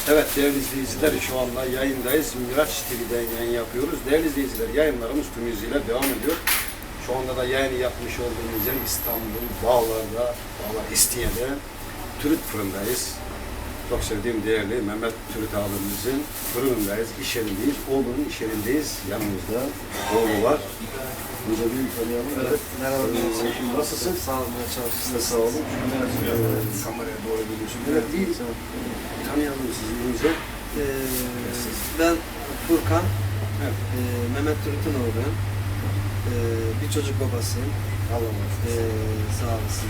Evet değerli izleyiciler, şu anda yayındayız. Miraç TV'den yayın yapıyoruz. Değerli izleyiciler, yayınlarımız tüm hızıyla devam ediyor. Şu anda da yayın yapmış olduğumuz yer İstanbul, Bağlar İstinye'de Türüt fırındayız. Çok sevdiğim değerli Mehmet Türüt abimizin fırınındayız, iş yerindeyiz. Oğlunun iş yerindeyiz. Yanımızda oğlu var. Burada bir tanıyalım. Evet. Merhaba. Nasılsın? Sağ olun. Siz de sağ olun. Kameraya doğru geliyorsun. Evet değil. Tanıyalım sizi önce. Ben Furkan. Evet. Mehmet Türüt'ün oğluyum. Bir çocuk babasıyım. Allah razı olsun. Sağ olasın.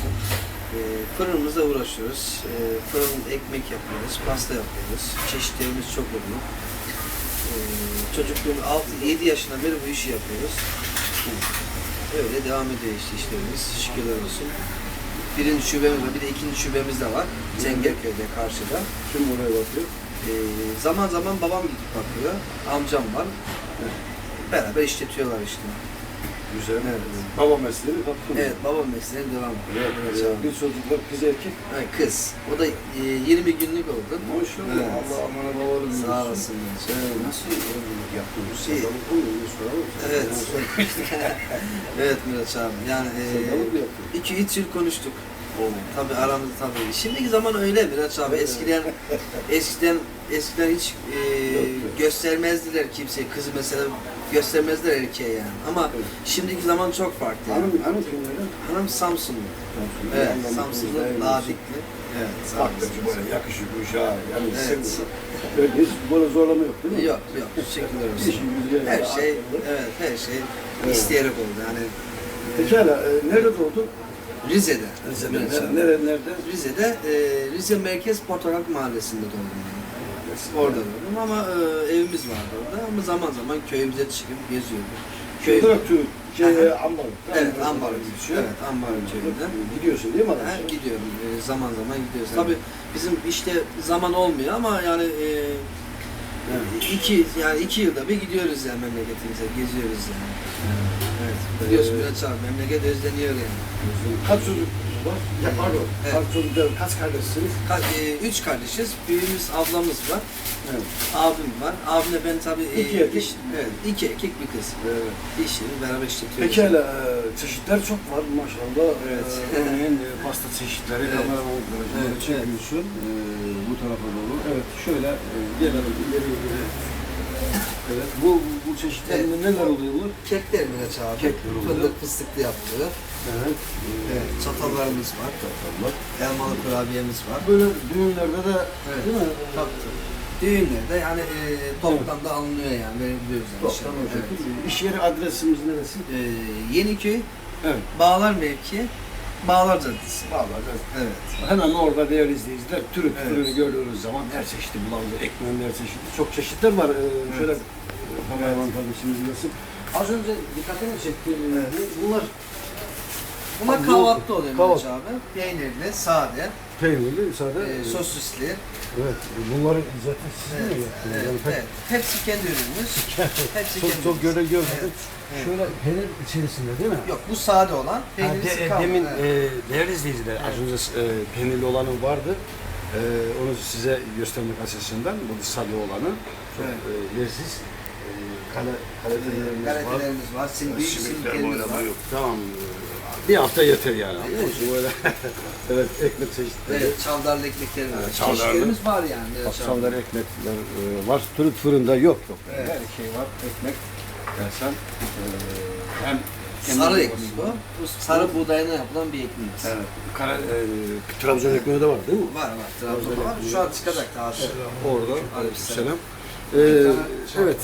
Fırınımızla uğraşıyoruz. Fırın ekmek yapıyoruz, pasta yapıyoruz. Çeşitlerimiz çok oluyor. Çocukluğum 6-7 yaşından beri bu işi yapıyoruz. Öyle devam ediyor işte işlerimiz. Şükürler olsun. Birinci şubemiz var, bir de ikinci şubemiz de var. Zengelköy'de karşıda. Kim oraya bakıyor? Zaman zaman babam gidip bakıyor. Amcam var. Beraber işletiyorlar işte. Güzel. Evet. Baba mesleğini kaptın. Evet, babam mesleğine devam ediyor. Evet. Bir çocuklar kız erkek. Evet, kız. O da 20 günlük oldu. Maşallah. Evet. Allah amana babalı büyüsün. Sağ olasın. Nasıl evlilik yaptınız? İyi. Sevdalık olmuyor. Soralım. Evet. Evet Miraç abi. Yani Sevdalık mı yaptın? 2-3 yıl konuştuk. Tabii aramızda tabii. Şimdiki zaman öyle Miraç abi. Eskiden hiç göstermezdiler kimseye. Kızı mesela göstermezler erkeğe yani. Ama şimdiki zaman çok farklı. Hanım kimlerden? Hanım Samsunlu. Evet, Samsunlu, Ladikli. Evet, sağ Bak olasın. böyle yakışıklı uşağı. Yani Evet. öyle hiç böyle zorlama yok değil mi? Yok, teşekkürler olsun. İşin güzel. Her şey, evet, her şey isteyerek oldu. Yani Pekala, nerede doğdun? Rize'de. Nerede? Rize'de, Rize Merkez Portakal Mahallesi'nde doğdum ben. Orada doğdum ama evimiz vardı orada ama zaman zaman köyümüze çıkıp geziyorduk. Köy, Traktör, Ambarlı. evet, Ambarlı geçiyor. Evet, Ambarlı köyünden. Gidiyorsun değil mi adam? Gidiyorum, zaman zaman gidiyoruz. Evet. Tabii bizim işte zaman olmuyor ama yani iki yılda bir gidiyoruz yani memleketimize, geziyoruz yani. Evet. Biliyorsun Miraç abi, memleket özleniyor yani. Kaç çocuk var? Ya pardon. Evet. Kaç çocuk, kaç kardeşsiniz? 3 kardeşiz. Büyüğümüz ablamız var. Evet. Abim var. Abimle ben tabii... İki erkek. Evet, 2 erkek bir kız. Evet. İşini beraber işletiyoruz. Pekala, çeşitler çok var maşallah. Evet. Örneğin pasta çeşitleri, Evet. kameraman Evet, çekiyorsun. Bu tarafa doğru. Evet, şöyle gelelim ileri. Evet, bu çeşitlerinde neler oluyor bu? Kekler Miraç abi. Kekler oluyor. Fındık fıstıklı yapılıyor. Evet. Evet, çatallarımız var. Çatallar. Elmalı kurabiyemiz var. Böyle düğünlerde de Evet. değil mi? Tabii. Düğünlerde yani toptan da alınıyor yani. Verebiliyoruz yani. Toptan o Evet. şekilde. İş yeri adresimiz neresi? Yeniköy, Evet. Bağlar mevki, Bağlar Caddesi. Vallahi Evet. hemen orada değerli izleyiciler Türüt Evet. fırını gördüğünüz zaman her çeşitli bulandı, ekmeğin her çeşitli. Çok çeşitler var. Şöyle kameraman kardeşimiz nasıl? Az önce dikkatimi çekti. Bunlar Bunlar kahvaltı oluyor Miraç Kahvaltı. abi. Peynirli, sade, peynirli, sade. sosisli. Evet. Bunları zaten siz mi Evet, yaptınız? evet, Yani pek- evet. Hepsi kendi ürünümüz. Hepsi kendi çok ürünümüz. görmedim. Evet. Şöyle peynir içerisinde değil mi? Yok bu sade olan. Peynirlisi kaldı. Demin Evet. değerli izleyiciler az önce peynirli olanı vardı. Onu size göstermek açısından bu sade olanı çok leziz. Kaletelerimiz var. Galetelerimiz var. Büyük simliklerimiz var. Tamam. Bir hafta yeter yani. Böyle evet ekmek çeşitleri. Evet, çavdarlı ekmeklerimiz var. Evet, çavdarlı. Çeşitlerimiz var yani. Miraç abi. Akşamları ekmekler var. Türk fırında yok. Evet. Her şey var. Ekmek. Yani sen hem Sarı ekmek o. Bu sarı buğdayına yapılan bir ekmeğimiz. Evet. Trabzon ekmeği de var değil mi? Var. Trabzon'da var. Şu an çıkacak daha sonra. Orada. Aleykümselam. Selam. Evet.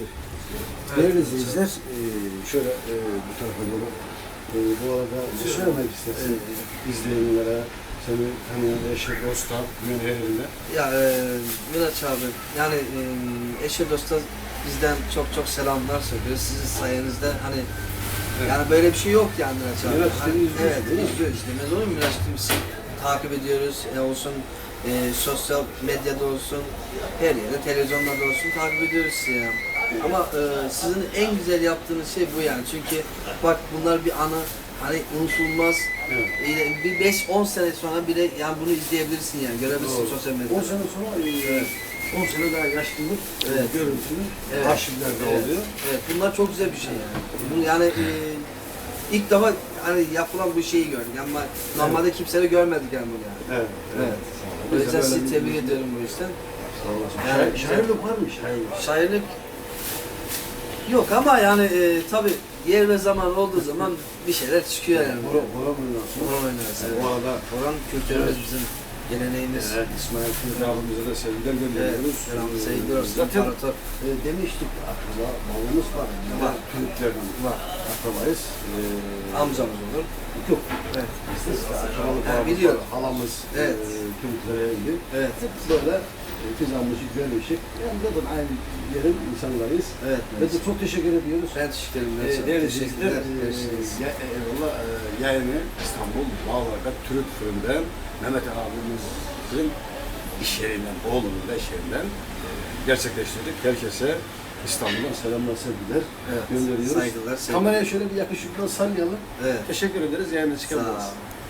Değerli izleyiciler, şöyle bu tarafa doğru. Bu arada ne söylemek istersin izleyenlere, seni tanıyan eşe, dosta, yönlerinde? Ya Miraç abi, yani eşe dosta bizden çok selamlar söylüyoruz. Sizin sayenizde hani yani böyle bir şey yok yani Miraç abi. Miraç Hani, TV izliyorsun, evet, değil mi? izliyoruz. Demez olur mu Miraç TV'si takip ediyoruz. Olsun sosyal medyada olsun, her yerde, televizyonlarda olsun takip ediyoruz sizi ya. Ama sizin en güzel yaptığınız şey bu yani. Çünkü bak bunlar bir anı, hani unutulmaz. Evet. Bir 5-10 sene sonra bile yani bunu izleyebilirsin yani görebilirsin Doğru. sosyal medyada. 10 sene sonra 10 sene daha yaşlılık Evet. görüntülü Evet. arşivlerde Evet. oluyor. Evet, bunlar çok güzel bir şey yani. Bunu yani ilk defa hani yapılan bu şeyi gördük ama normalde kimse de görmedik yani bunu yani. Evet. Evet. O yüzden sizi tebrik ediyorum bu yüzden. Sağ olasın. Yani- Şairlik var mı? Şairlik. Şairlik yok ama yani tabii yer ve zaman olduğu zaman bir şeyler çıkıyor yani. Bora oynuyorsun. Orhan oynarız. Bu Evet. arada Orhan kültürümüz bizim geleneğimiz. İsmail Kürdi abimize de sevgiler Evet, gönderiyoruz. selam, sevgiler olsun. Zaten İmparator. demiştik akraba bağımız var. Var. Türklerden Var. akrabayız. Amcamız olur. Yok. Evet. Biz de akrabalık Ha, bağımız biliyorum. var. Halamız Evet. Türklere evli. Evet. Hep böyle kızarmışık, görmüşük. Yani zaten aynı yerin insanlarıyız. Evet. Ve de çok teşekkür ediyoruz. Ben teşekkür ederim. Değerli Teşekkürler. izleyiciler, Görüşürüz. eyvallah, yayını İstanbul Bağlar'da Türk Fırın'dan Mehmet abimizin iş yerinden, oğlunun da iş yerinden gerçekleştirdik. Herkese İstanbul'dan selamlar, sevgiler Evet. gönderiyoruz. Saygılar, sevgiler. Kameraya şöyle bir yakışıklı sallayalım. Evet. Teşekkür ederiz. Yayına Sağ çıkabiliriz. ol.